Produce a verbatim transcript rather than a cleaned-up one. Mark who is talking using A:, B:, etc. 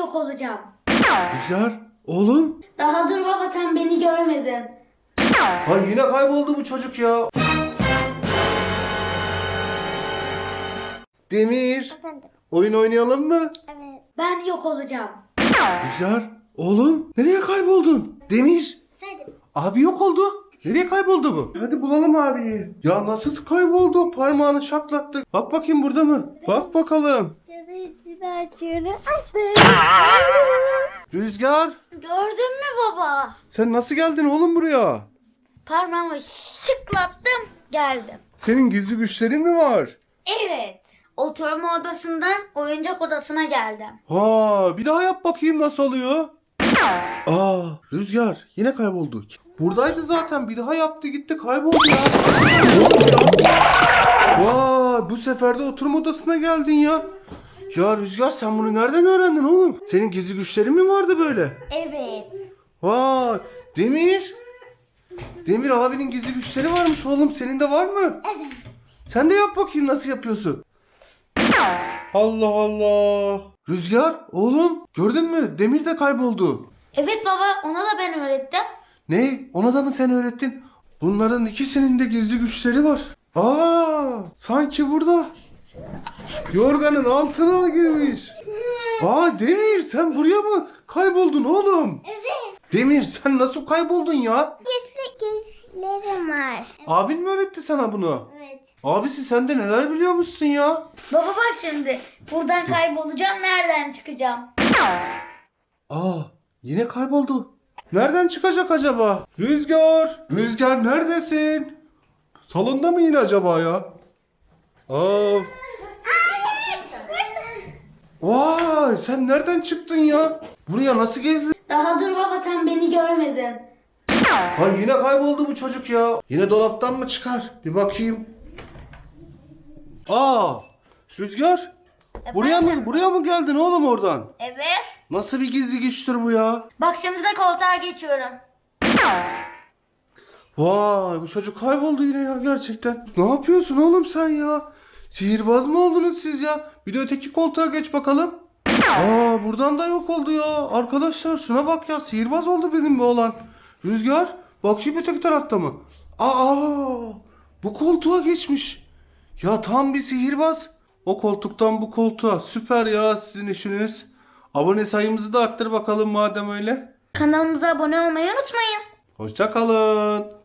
A: yok olacağım.
B: Rüzgar, oğlum.
A: Daha dur baba, sen beni görmedin.
B: Ha yine kayboldu bu çocuk ya. Demir,
C: Efendim.
B: oyun oynayalım mı?
C: Evet.
A: Ben yok olacağım.
B: Rüzgar, oğlum. Nereye kayboldun? Demir,
C: Efendim.
B: abi yok oldu. Nereye kayboldu bu? Hadi bulalım abiyi. Ya nasıl kayboldu? Parmağını şaklattı. Bak bakayım burada mı? Bak bakalım.
C: Çırı açıyorum.
B: Rüzgar,
A: Gördün mü baba?
B: sen nasıl geldin oğlum buraya?
A: Parmağımı şıklattım, geldim.
B: Senin gizli güçlerin mi var?
A: Evet. Oturma odasından oyuncak odasına geldim.
B: Ha, bir daha yap bakayım nasıl oluyor? Aa, Rüzgar yine kayboldu. Buradaydı zaten, bir daha yaptı gitti kayboldu ya. Oğlum ya. Vay, bu sefer de oturma odasına geldin ya. Ya Rüzgar, sen bunu nereden öğrendin oğlum? Senin gizli güçlerin mi vardı böyle?
A: Evet.
B: Vay, Demir. Demir, abinin gizli güçleri varmış oğlum, senin de var mı?
A: Evet.
B: Sen de yap bakayım nasıl yapıyorsun. Allah Allah. Rüzgar, oğlum gördün mü? Demir de kayboldu.
A: Evet baba, ona da ben öğrettim.
B: Ne? Ona da mı sen öğrettin? Bunların ikisinin de gizli güçleri var. Aa, sanki burada. Yorganın altına mı girmiş? Aa Demir, sen buraya mı kayboldun oğlum?
C: Evet.
B: Demir, sen nasıl kayboldun ya?
C: Gizli gizlerim var.
B: Abin mi öğretti sana bunu?
C: Evet.
B: Abisi, sen de neler biliyormuşsun ya?
A: Baba bak şimdi, buradan kaybolacağım, nereden çıkacağım?
B: Aa, yine kayboldu. Nereden çıkacak acaba? Rüzgar! Rüzgar neredesin? Salonda mı yine acaba ya? Aa. Vay, sen nereden çıktın ya? Buraya nasıl geldin?
A: Daha dur baba, sen beni görmedin.
B: Ha yine kayboldu bu çocuk ya. Yine dolaptan mı çıkar? Bir bakayım. Aa, Rüzgar. Buraya mı buraya mı geldin oğlum oradan?
A: Evet.
B: Nasıl bir gizli güçtür bu ya?
A: Bak şimdi de koltuğa geçiyorum.
B: Vay, bu çocuk kayboldu yine ya gerçekten. Ne yapıyorsun oğlum sen ya? Sihirbaz mı oldunuz siz ya? Bir de öteki koltuğa geç bakalım. Aa, buradan da yok oldu ya. Arkadaşlar şuna bak ya, sihirbaz oldu benim bu oğlan. Rüzgar, bakayım öteki tarafta mı? Aa, bu koltuğa geçmiş. Ya tam bir sihirbaz. O koltuktan bu koltuğa. Süper ya sizin işiniz. Abone sayımızı da arttır bakalım madem öyle.
A: Kanalımıza abone olmayı unutmayın.
B: Hoşça kalın.